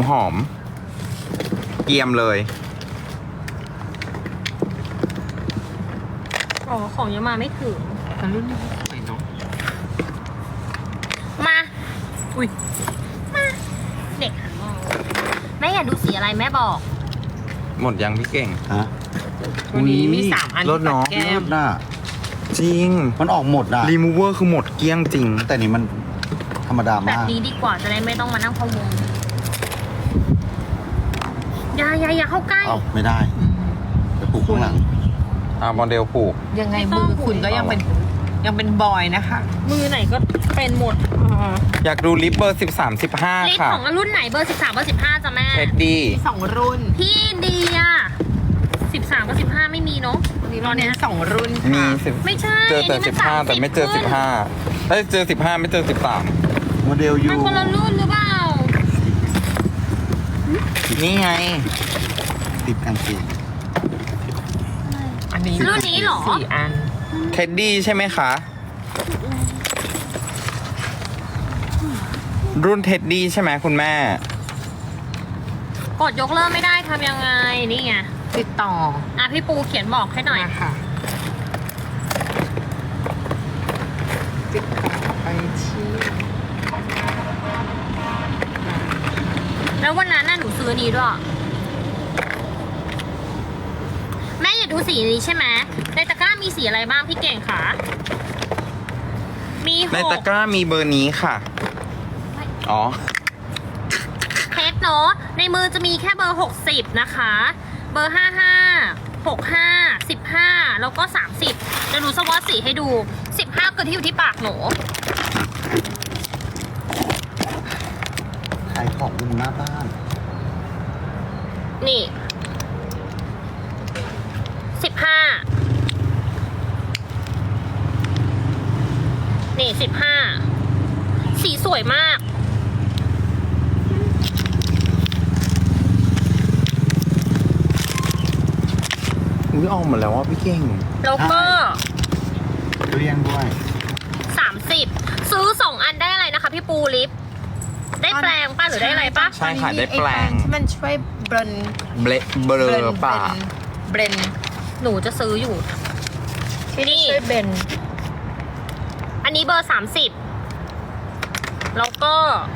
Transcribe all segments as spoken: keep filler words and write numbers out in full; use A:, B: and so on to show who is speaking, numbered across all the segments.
A: หอมเกรียมเลย
B: อ๋อของยังมาไม่ถึง
C: แต่รุ่นนี้สวยเนาะ
B: มา อุ้ย มา เด็กหันมองแม่อยากดูสีอะไรแม่บอก
A: หมดยังพี่เก่ง
D: ฮะ
C: วันนี้มีสามอัน
A: รสเนาะ
C: แก้
D: แก้
C: ม
D: มน่ะ
A: จริง
D: มันออกหมดอ่ะ
A: รีมูเวอร์คือหมดเกลี้ยงจริง
D: แต่นี่มันธรรมดา
B: แบบ
D: มาก
B: นี้ดีกว่าจะได้ไม่ต้องมานั่งพะวงอย่าอย่าอย่าเข้าใกล้
D: เอ้าไม่ได้ไปปลูกข้างหลัง
A: อ่าโมเดลผูก
C: ยังไง
B: ไม่ต้
C: มื
B: อง
C: อคุณก็ยังเป็นยังเป็นบอยนะคะ
B: มือไหนก็เป็นหมด
A: อยากดูลิปเบอร์สิบสามสิบห้า
B: ลิป
A: ค่ะ
B: ของรุ่นไหนเบอร์สิบสามเบอร์สิบห้าจ้ะแม่
A: เท็ดดี้
C: มีสองรุ่น
B: พี่ดีอ่ะสิบสามกับสิบห้าไม่มีเนาะ
C: วันนี้เราเน้นสองรุ่น
A: มี
C: ค่ะ
A: สิบ
B: ไม่ใช่
A: เจอแต่
B: นนี้
A: สิ
B: น
A: บห้าแต่ไม่เจอสิบห้าเอ้ยเจอสิบห้าไม่เจอสิบสาม
D: โมเดลยู
B: มันคนละรุ่นหรือเปล่า
A: นี่ไง
D: ติดกางเกง
C: อันนี้
B: รุ่นนี้เหรอ
C: สี่อัน
A: เท็ดดี้ใช่ไหมคะ รุ่นเท็ดดี้ใช่ไหมคุณแม่
B: กดยกเลิกไม่ได้ทำยังไงนี่ไง
C: ติดต่อ
B: อ่ะพี่ปูเขียนบอกให้หน่อย
C: มาค่ะ ติดต่อไปที่
B: แล้ววันนั้นน่ะหนูซื้อนี้ด้วยแม่อยากดูสีนี้ใช่ไหมในตะกร้ามีสีอะไรบ้างพี่เก่งคะมีห
A: ใน
B: ก
A: ตะกร้ามีเบอร์นี้ค่ะ อ๋อ
B: เพชรเนาะในมือจะมีแค่เบอร์หกสิบนะคะ เบอร์ห้าห้าหกห้าสิบห้าแล้วก็สามสิบจะดูสวอตสีให้ดูสิบห้าคือที่อยู่ที่ปากหนู
D: ขายของอยู่หน้าบ้าน
B: นี่สิบห้านี่สิบห้าสีสวยมาก
A: อุ้ยออกหมดแล้วว่าพี่เก่ง
B: แล้วก็
D: เรียงด้วย
B: สามสิบซื้อสองอันได้อะไรนะคะพี่ปูลิฟได้แปลงป้าหรือได้อะไรป้า
A: ใช่ค่ะได้แปลง
C: ที่มันช่วยเบรน
A: เบลเบลอป่า
C: เบรน
B: หนูจะซื้ออยู่
C: ที่
B: นี่
C: ช่วยเบรน
B: อันนี้เบอร์สามสิบแล้วก็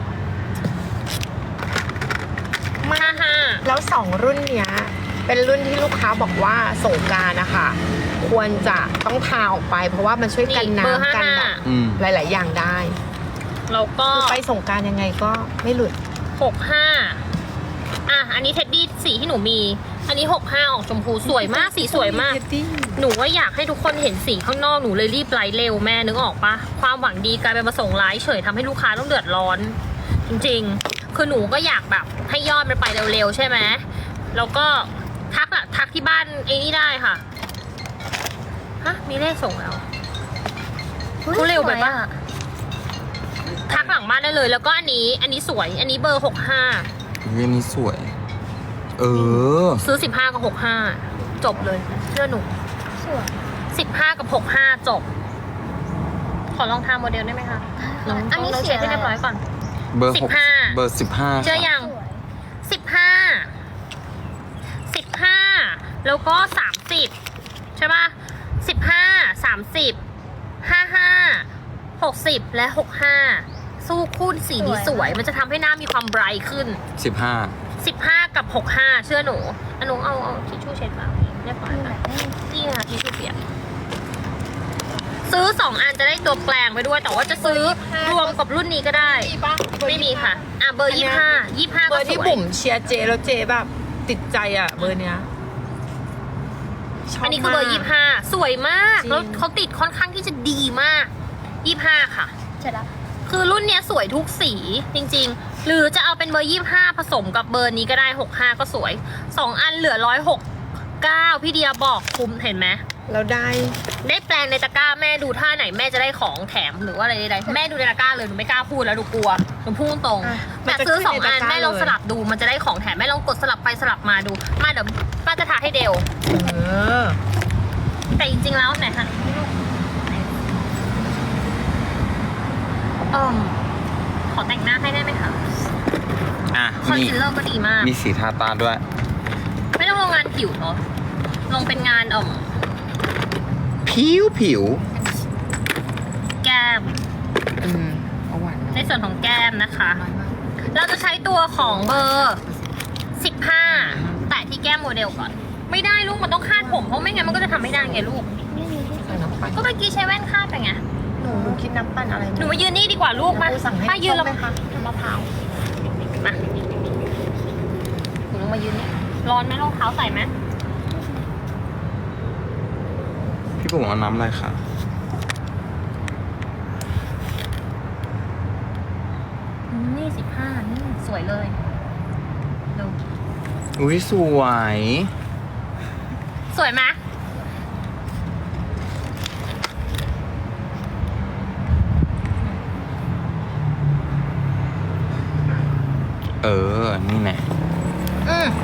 B: ห้าห้า
C: แล้วสองรุ่นเนี้ย เป็นรุ่นที่ลูกค้าบอกว่าสงกรานต์นะคะควรจะต้องทาออกไป เพราะว่ามันช่วยกัน
B: เบอร์ห้า
C: น้ำกัน
B: ห้า
C: แบบ
A: อืม
C: หลาย ๆ อย่างได้
B: แล้วก็
C: คือไปสงกรานต์ยังไงก็ไม่หลุด
B: หกห้าอ่ะอันนี้เท็ดดี้สีที่หนูมี อันนี้หกห้าออกชมพูสวยมากสีสวยมาก หนูว่าอยากให้ทุกคนเห็นสีข้างนอกหนูเลยรีบไลฟ์เร็วแม่นึกออกปะความหวังดีกลายเป็นมาส่งไลฟ์เฉยทำให้ลูกค้าต้องเดือดร้อน จริงๆ คือหนูก็อยากแบบให้ยอดมันไปเร็วๆใช่ไหมแล้วก็ทักอะทักที่บ้านไอ้นี่ได้ค่ะฮะมีเลขส่งแล้วกูเร็วไปปะทักหลังบ้านได้เลย แล้วก็อันนี้อันนี้สวย อันนี้เบอร์หกห้า
A: เรื่องนี้สวย เออ
B: ซื้อสิบห้ากับหกห้าจบเลยเชื่อหนูสิบห้ากับหกห้าจบ ขอลองทำโมเดลได้ไหมคะลอง
E: อันนี้
B: ลอง
E: เสี
B: เช็
E: ย
B: คให้เรียบร้อยก่อน
A: เบอร์
B: สิ
A: ห
B: บ
A: ก
B: ห้า
A: เบอร์สิบห้า
B: เจอยังสิบห้าสิบห้าแล้วก็สามสิบใช่ป่ะสิบห้าสามสิบห้าห้าหกสิบและหกห้าสู้คู่สีนี้สวย มันจะทำให้หน้ามีความไบรท์ขึ้น
A: สิบห้า
B: สิบห้ากับหกห้าเชื่อหนูอันนุเอาเอาทิชชู่เช็ดปากเรียบร้อยค่ะนี่ค่ะทิชชู่เปียกซื้อสองอันจะได้ตัวแปลงไปด้วย แต่ว่าจะซื้อรวมกับรุ่นนี้ก็ได้ ไม่มีค่ะ อ่ะเบอร์ยี่ห้ายี่ห้า
C: เบ
B: ก็
C: อร์
B: ส
C: ที่
B: วย
C: บุ๋มเชียร์เจแล้วเจแบบติดใจอ่ะเบอร์เนี้ยชบ
B: อันนี้คือเบอร์
C: มาก
B: ยี่ห้าสวยมาก
C: จริง
B: แล้วเขาติดค่อนข้างที่จะดีมากยี่ห้าค่ะ
E: เสร็จแล้ว
B: คือรุ่นเนี้ยสวยทุกสีจริงๆ หรือจะเอาเป็นเบอร์ยี่ห้าผสมกับเบอร์นี้ก็ได้หกห้าก็สวยสองอันเหลือร้อยหกเก้าพี่เดียบอกคุ้มเห็นไหม
C: แล้วได้
B: ได้แปลงในตะกร้าแม่ดูท่าไหนแม่จะได้ของแถมหรือว่าอะไรใดๆแม่ดูในตะกร้าเลยหนูไม่กล้าพูดแล้วหนูกลัวหนูพูดตรง
C: อ่ะ
B: แต่ซื้อสองอัน
C: มันจะขึ้นในตะกร้า
B: แม่ลองสลับดูมันจะได้ของแถมแม่ลองกดสลับไปสลับมาดูมาเดี๋ยวป้าจะทาให้เดว
C: เออ
B: แต่จริงๆแล้วไหนคะเออขอแต่งหน้าให้ได้ไหมคะ
A: อ่ะ
B: คอน
A: มี
B: ซีลเลอร์ก็ดีมาก
A: มีสีทาตาด้วย
B: ไม่ต้องลงงานผิวเนาะลงเป็นงานเอ่อ
A: ผิวผิว
B: แก้ม
C: อืมเอาหวาน
B: ในส่วนของแก้มนะคะ
C: น้อยมาก
B: เราจะใช้ตัวของเบอร์สิบห้าแตะที่แก้มโมเดลก่อน ไม่ได้ลูกมันต้องคาดผมเพราะไม่งั้นมันก็จะทำไม่ได้ไงลูก
C: ใส่น้ำปั่น
B: ก็เมื่อกี้ใช้แว่นคาดไปไง
C: หนูหนูคิดน้ำปั่นอะไร
B: หนูมายืนนี่ดีกว่าลูกมา
C: ครูสั่งให้
B: ป้ายืน
C: ส้
B: แล้ว
C: มไหมคะน้ำมะพร้าว
B: มาหนูลงมายืนนี่ร้อนไหมรองเท้าใส่ไหม
A: พี่ปุ๋มเอาน้ำอะไรคะ
B: อืมนี่สิบห้านี่สวยเลยดู
A: อุ้ยสวย
B: สวยไหม
A: เออ นี่แน่
B: อืม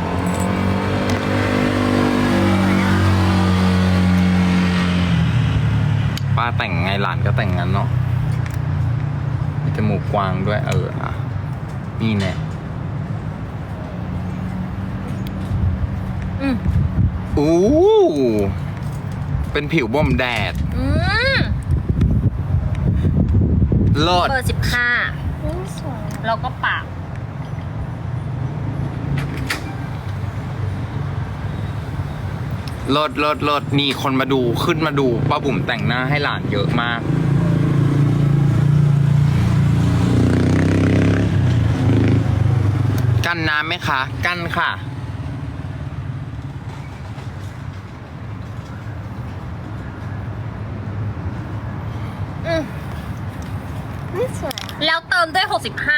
A: ป้าแต่งไงหลานก็แต่งงั้นเนาะมีจมูกกว้างด้วย เอออ่ะนี่แน่
B: อืม
A: อู้เป็นผิวบ่มแดด
B: อืม
A: เลิศ
B: เบอร์สิบห้าแล้วก็ปาก
A: เลิศเลิศเลิศนี่คนมาดูขึ้นมาดูป้าบุ๋มแต่งหน้าให้หลานเยอะมาก กั้นน้ำไหมคะ กั้นค่ะ
B: อืมแล้วเติมด้วยหกสิบห้า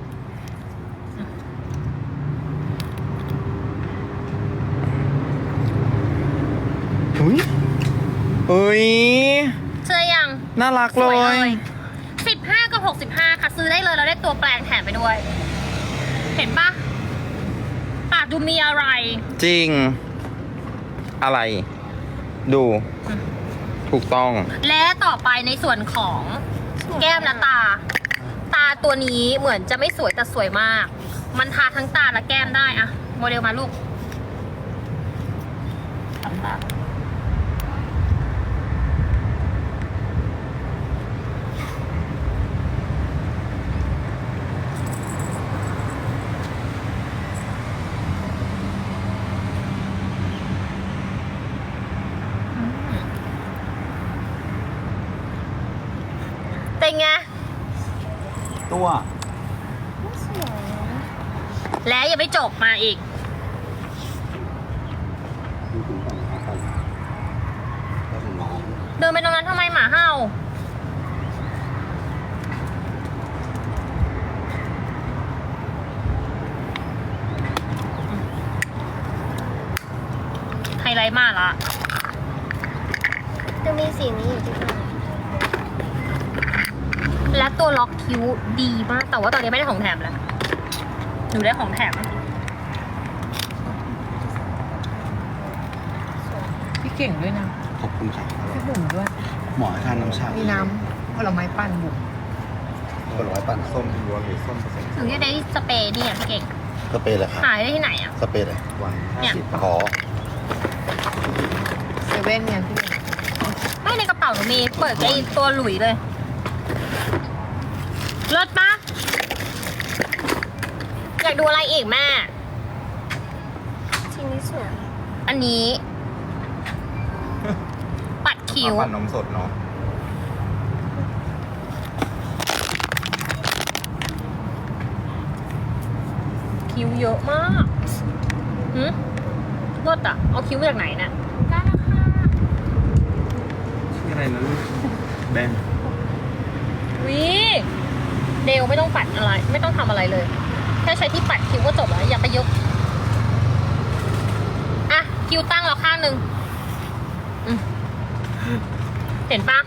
A: อุ้ยเฮ้ย
B: เชื่อยัง
A: น่ารัก
B: ส
A: เล
B: วยเลย ยสิบห้ากับหกสิบห้าค่ะ ซื้อได้เลยเราได้ตัวแปลงแถมไปด้วย เห็นปะปากดูมีอะไร
A: จริง อะไร ดู ถูกต้อง
B: และต่อไปในส่วนของแก้มและตา ตาตัวนี้เหมือนจะไม่สวยแต่สวยมาก มันทาทั้งตาและแก้มได้อะโมเดลมาลูกทำตาเป็นไง
D: ตัว
B: และอย่าไปจบมาอีก
D: ดูถึงก่อนนะครับก็ถึงน้อง
B: เดินไปตรงนั้นทำไมหมาเห่า ไฮไลท์มาละ
E: จะมีสีนี้อยู่ที่ไหน
B: และตัวล็อกคิ้วดีมาก แต่ว่าตอนนี้ไม่ได้ของแถมแล้วหนูได้ของแถม
C: พี่เก่งด้วยนะ
D: ขอบคุณครับ
C: พี่บุ๋มด้วย
D: หมอให้ทานน้ำชา
C: มีน้ำผลไม้ปั่นบุ๋ม
D: ผลไม้ปั่นส้มล้วนหรือส้มผสม
B: หนูจะได้สเปรย์นี่อ่ะพี่เก่ง
D: สเปรย์เลยครับ
B: หายได้ที่ไหนอ่ะ
D: สเปรย์เลยวัน
B: เนี่ย
D: ขอ
C: เซเว่นเนี่ยพี่เก่ง
B: ไม่ในกระเป๋าหนูมี เปิดไอ้ตัวหลุยเลยเลิศปะอยากดูอะไรอีกแม่
E: ทีนี้สวย
B: อันนี้ ปัดคิ้ว
A: ปั่นนมสดเนาะ
B: คิ้วเยอะมากหืมรถอะเอาคิ้วมาจากไหนเนี่ยได้แล้วค่ะ
A: ชื่ออะไรนะลูกแบน
B: วิเดลไม่ต้องปัดอะไร ไม่ต้องทำอะไรเลย แค่ใช้ที่ปัดคิ้วก็จบแล้ว อย่าไปยก อ่ะ คิ้วตั้งแล้วข้างหนึ่งอืมเห็นปะ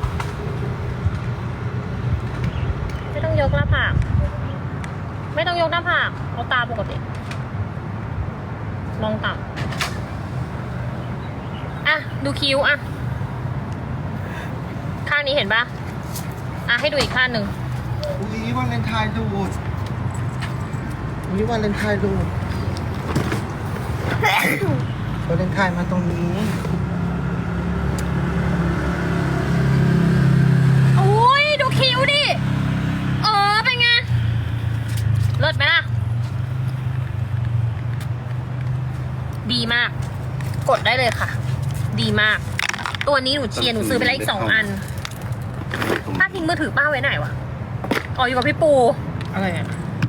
B: ไม่ต้องยกหน้าผาก ไม่ต้องยกหน้าผากเอาตาปกติ มองต่ำอ่ะ ดูคิ้วอ่ะ ข้างนี้เห็นปะอ่ะ ให้ดูอีกข้างหนึ่ง
D: อุ้ยวันเลนไทน์ดูดวิวาเลนไทน์ลูกวาเลนไทน์มาตรงนี้
B: โอ้ยดูคิ้วดิ เออเป็นไง เลิศไหมล่ะ ดีมาก กดได้เลยค่ะ ดีมาก ตัวนี้หนูเชียร์หนูซื้อไปแล้วอีกสองอัน ป้าทิ้งมือถือป้าไว้ไหนวะ อ๋ออยู่กับพี่ปู
C: อะไรอ่ะ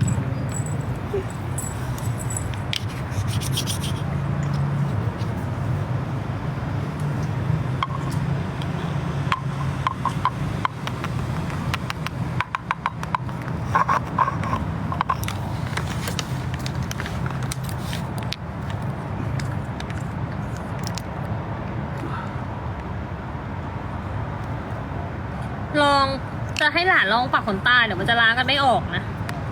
B: ลองจะให้หลานลองปักขนตาเดี๋ยวมันจะล้างกันไม่ออกนะ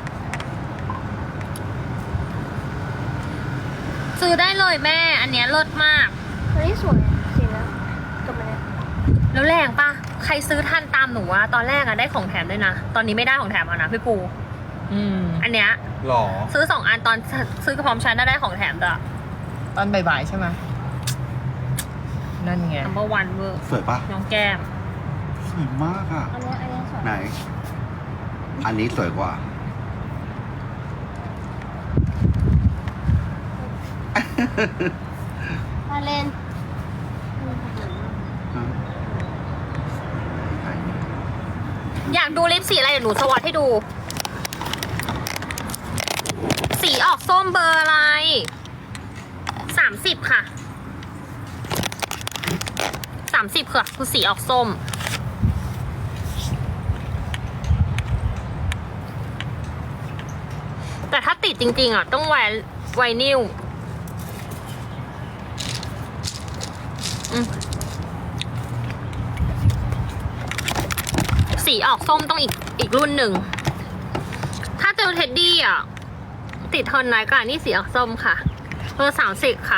B: ซื้อได้เลยแม่ อันเนี้ยเลิศมาก
E: อันนี้สวยสีแล้วกับมันเนี่ย
B: แล้วแรงปะใครซื้อทันตามหนูอะตอนแรกอะได้ของแถมด้วยนะ ตอนนี้ไม่ได้ของแถมแล้วนะพี่ปู
C: อืม
B: อันเนี้ย
A: หรอ
B: ซื้อสองอันตอนซื้อกับพร้อมชั้นน่าได้ของแถมด้วย
C: ตอนบ่ายๆใช่ไหมนั่นไง
B: number one เวอร์
D: สวยปะ
B: น้องแก้ม
D: สวยมากอ่ะ
E: อันเนี้ยอันเนี้ยสวย
D: ไหน อันนี้สวยกว่า
E: มาเล่น
B: อยากดูลิปสีอะไรเดี๋ยวหนูสวอตให้ดู สีออกส้มเบอร์อะไร สามสิบค่ะ สามสิบค่ะ คือสีออกส้ม แต่ถ้าติดจริงๆอ่ะ ต้องไวไวนิลอืมสีออกส้มต้องอีกอีกรุ่นหนึ่ง ถ้าเจอเท็ดดี้อ่ะ ติดทนน้อยกว่านี่สีออกส้มค่ะเบอร์สามสิบค่ะ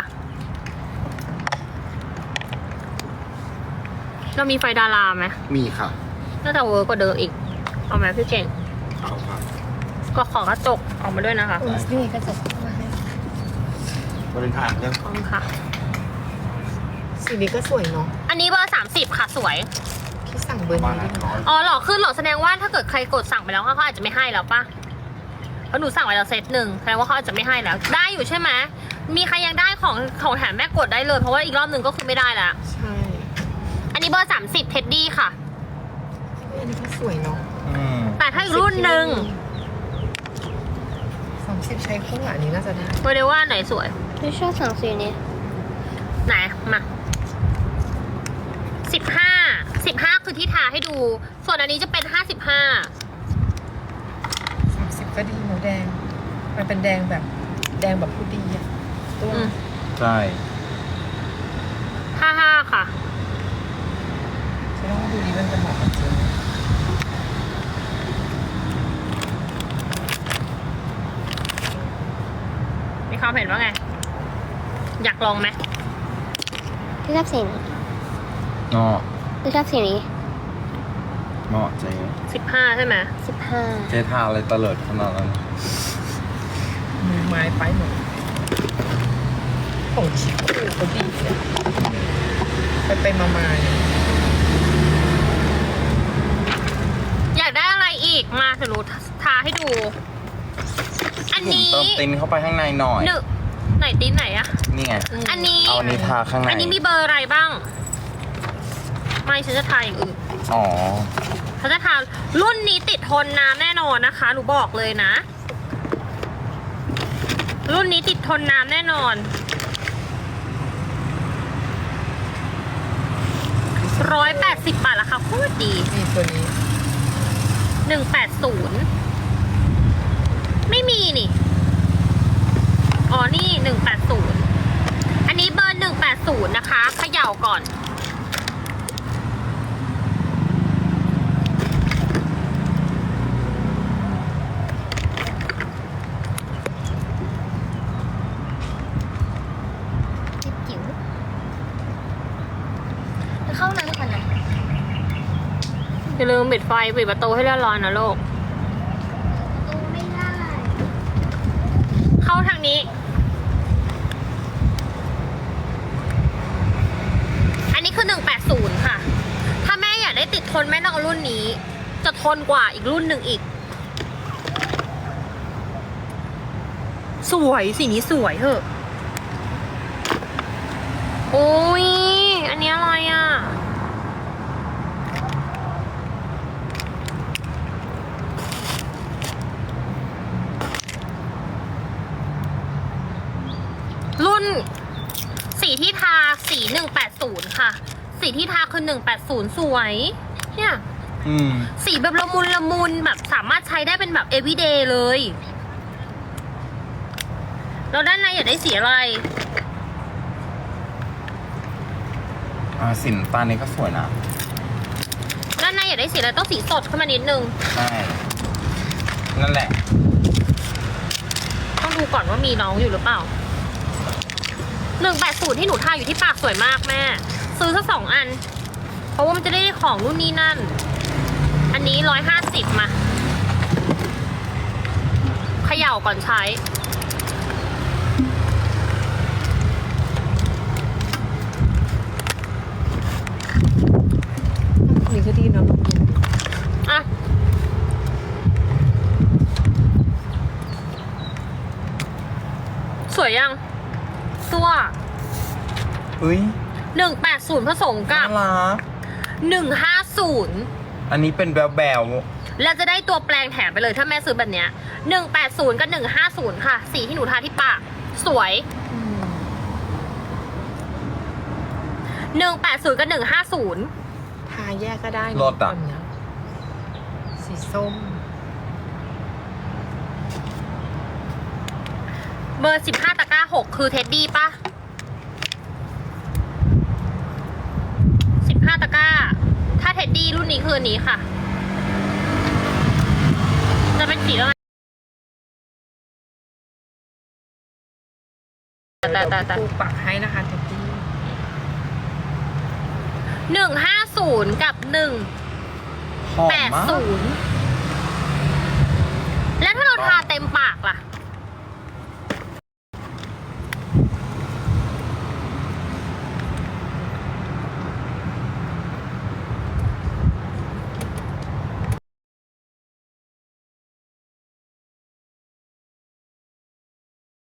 B: เรามีไฟดาราไหม
D: มีค่ะ
B: น่าจะเวิร์กกว่าเดิมอีก เอาไหมพี่เก่ง
D: เอาค่ะ
B: ก็ขอกระจกออกมาด้วยนะคะ
C: เออนี่กระจกเข้ามาให้
D: วาเลนไทน์เรื่อง
B: ขอบคุณค่ะ
C: สีนี้ก็สวยเนาะ
B: อันนี้เบอร์สามสิบค่ะสวย
C: ที่สั่งเบอร์
D: มา
C: นี้
D: แล้
C: ด้วย
D: ว
C: เนาะ
B: อ๋อเหรอขึ้นเหรอแสดงว่าถ้าเกิดใครกดสั่งไปแล้วเขาอาจจะไม่ให้แล้วปะเพราะหนูสั่งไปแล้วเซตหนึ่งแสดงว่าเขาอาจจะไม่ให้แล้ว ได้อยู่ใช่ไหมมีใครยังได้ของของแถมแม่กดได้เลยเพราะว่าอีกรอบหนึ่งก็คือไม่ได้แล้ว
C: ใช่
B: อันนี้เบอร์สามสิบเท็ดดี้ค่ะ
C: อันนี้ก็สวยเนาะ
A: อืม
B: แต่ถ้าอีกรุ่นหนึ่ง
C: สามสิบใช้คู่อันนี้น่าจะได้
B: โมเดลว่าไหนสวย
E: ไม่ชอบสั่งสีนี้
B: ไหนมาสิบห้าสิบห้าคือที่ทาให้ดู ส่วนอันนี้จะเป็นห้าสิบห้า
C: สามสิบก็ดีเนาะแดง มันเป็นแดงแบบแดงแบบผู้ดีอะตัว
B: อืม
A: ใช่
B: ห้าห้าค่ะ
C: ฉันต้องดูดีมันจะเหมาะกับเจน
B: มีความเห็นว่าไง อยากลองไหม
E: ที่ชอบสีนี้
A: เนาะ
E: ที่ชอบสีนี้
A: เนาะเจ๊
B: สิบห้าใช่ไหม
E: สิบห้า
A: เจ๊ทาอะไรตะเลิดขนาดนั้น
C: มือไม้ไปหมดของชิคูเขาดีเนี่ยไปไปมามาเนี่ย
B: อยากได้อะไรอีกมาสรุปทาให้ดู อันนี้
A: เติมตินเข้าไปข้างในหน่อย
B: หนึ่งไหนตีนไหนอะ
A: นี่ไง
B: อันนี้
A: เอาอันนี้ทาข้างใน
B: อันนี้มีเบอร์อะไรบ้าง ไม่ฉันจะทาอย่างอื่น
A: อ๋อ
B: ฉันจะทารุ่นนี้ติดทนน้ำแน่นอนนะคะ หนูบอกเลยนะ รุ่นนี้ติดทนน้ำแน่นอนร้อยแปดสิบบาทราคาโคตรดี
C: นี่ตัวนี้
B: หนึ่งแปดศูนย์ไม่มีนี่ อ๋อ นี่หนึ่งแปดศูนย์อันนี้เบอร์หนึ่งแปดศูนย์นะคะเขย่าก่อน
E: จิ๋วจิ๋วไปเข้าห้องน้ำก่อนนะ
B: อย่าลืมปิดไฟปิดประตูให้เรียบร้อยนะลูก
E: ตู้ไม่ได้
B: นี้ อันนี้คือหนึ่งแปดศูนย์ค่ะ ถ้าแม่อยากได้ติดทนแม่ต้องเอารุ่นนี้ จะทนกว่าอีกรุ่นหนึ่งอีก สวยสีนี้สวยเหอะ โอ้ย อันนี้อะไรอ่ะ รุ่นสีที่ทาสีหนึ่งแปดศูนย์ค่ะ สีที่ทาคือหนึ่งแปดศูนย์สวย เนี่ย
A: อืม
B: สีแบบละมุนละมุนแบบสามารถใช้ได้เป็นแบบ everyday เลย แล้วด้านในอยากได้สีอะไร
A: อ่าสินตานี้ก็สวยนะ
B: ด้านในอยากได้สีอะไรต้องสีสดขึ้นมานิดนึง
A: ใช่ นั่นแหละ
B: ต้องดูก่อนว่ามีน้องอยู่หรือเปล่า หนึ่งแปดศูนย์ที่หนูทาอยู่ที่ปากสวยมากแม่ ซื้อสักสองอัน เพราะว่ามันจะได้ของรุ่นนี้นั่น อันนี้ร้อยห้าสิบมาเขย่าก่อนใช้
C: นี่ก็ดีเนาะ
B: อ่ะ สวยยัง ตัว
A: เฮ้ย
B: หนึ่งแปดศูนย์ผสมกั
A: น่า
B: บ
A: รัก
B: หนึ่งห้าศูนย์
A: อันนี้เป็นแบวแบว
B: แล้วจะได้ตัวแปลงแถมไปเลยถ้าแม่ซื้อแบบเนี้ยหนึ่งแปดศูนย์กับหนึ่งห้าศูนย์ค่ะ สีที่หนูทาที่ปาก สวยหนึ่งแปดศูนย์กับหนึ่งห้าศูนย์
C: ทาแยกก็ได้นะ
A: รสอ่ะ
C: แบบเนี้ยสีส้ม
B: เบอร์สิบห้าตะกร้าหกคือเท็ดดี้ปะสิบห้าตะกร้า ถ้าเท็ดดี้รุ่นนี้คืออันนี้ค่ะ จะเป็นสีอะไรแต่แต่แต่
C: ปูปักให้นะคะเท็ดดี้
B: หนึ่งห้าศูนย์กับหนึ่ง
A: หอม
B: แปด
A: มาก
B: ศูนย์แล้วถ้าเราทาเต็มปาก